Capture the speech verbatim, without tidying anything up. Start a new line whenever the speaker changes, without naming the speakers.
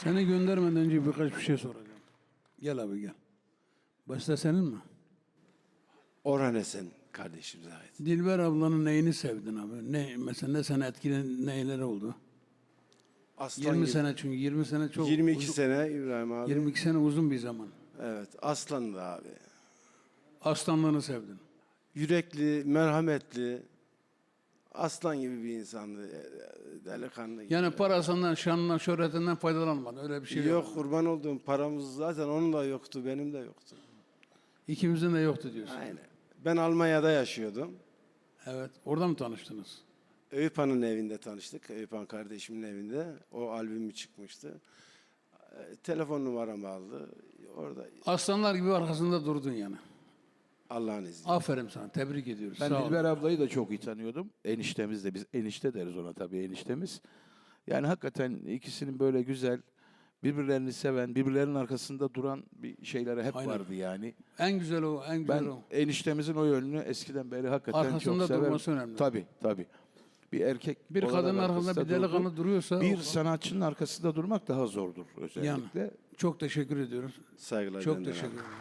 Seni göndermeden önce birkaç bir şey soracağım. Gel abi gel. Başta senin mi?
Orhan Esen kardeşimize ait.
Dilber ablanın neyini sevdin abi? Ne mesela ne seni etkilen neyler oldu?
Aslan
yirmi
gibi.
sene çünkü yirmi sene çok
yirmi iki
uzun,
sene İbrahim abi.
yirmi iki sene uzun bir zaman.
Evet, aslan da abi.
Aslanlığını sevdin.
Yürekli, merhametli, aslan gibi bir insandı. e, Delikanlı gibi.
Yani parasından, şanından, şöhretinden faydalanmadı. Öyle bir şey yok.
Yok, kurban olduğum paramız zaten onun da yoktu, benim de yoktu.
İkimizin de yoktu diyorsun.
Aynen. Ben Almanya'da yaşıyordum.
Evet. Orada mı tanıştınız?
Eyüphan'ın evinde tanıştık. Eyüphan kardeşimin evinde. O albümü çıkmıştı. E, telefon numaramı aldı. Orada
Aslanlar gibi arkasında durdun yani.
Allah'ın izniyle.
Aferin sana. Tebrik ediyoruz.
Ben
Sağ ol.
Dilber ablayı da çok iyi tanıyordum. Eniştemiz de, biz enişte deriz ona tabii, eniştemiz. Yani hakikaten ikisinin böyle güzel, birbirlerini seven, birbirlerinin arkasında duran bir şeyleri hep
Aynen.
vardı yani.
En güzel o, en güzel
Ben
o.
eniştemizin o yönünü eskiden beri hakikaten
Arkasında
çok severim.
durması önemli.
Tabii, tabii. Bir erkek
Bir
olarak
kadının arkasında
arkasında
bir delikanlı
durdu.
duruyorsa
bir
o-
sanatçının arkasında durmak daha zordur özellikle.
Yani çok teşekkür ediyoruz.
Saygılar
Çok
benden abi.
teşekkür ederim.